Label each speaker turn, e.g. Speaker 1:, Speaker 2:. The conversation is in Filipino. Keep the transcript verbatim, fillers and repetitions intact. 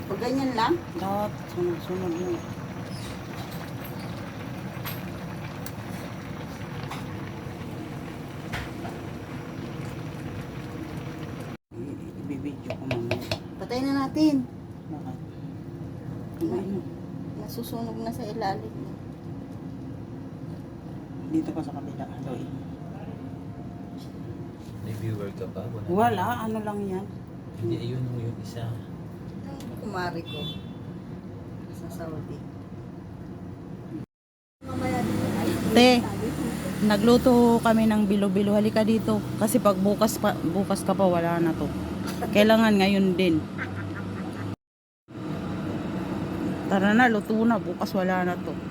Speaker 1: Pag ganyan lang?
Speaker 2: Lahat, sunod-sunod mo. Ibibidyo ko mamaya.
Speaker 1: Patay na natin.
Speaker 2: Bakit?
Speaker 1: Na,
Speaker 2: Ano?
Speaker 1: nasusunog na sa ilalim.
Speaker 2: Dito pa sa kabila. Aloy.
Speaker 3: May viewer ka ba? Wala.
Speaker 2: Wala, ano lang yan.
Speaker 3: Hindi, ayun yung isa.
Speaker 1: Ang kumari ko sa Saudi.
Speaker 2: Te, nagluto kami ng bilo-bilo. Halika dito. Kasi pag bukas, pa, bukas ka pa, wala na to. Kailangan ngayon din. Tara na, luto na. Bukas wala na to.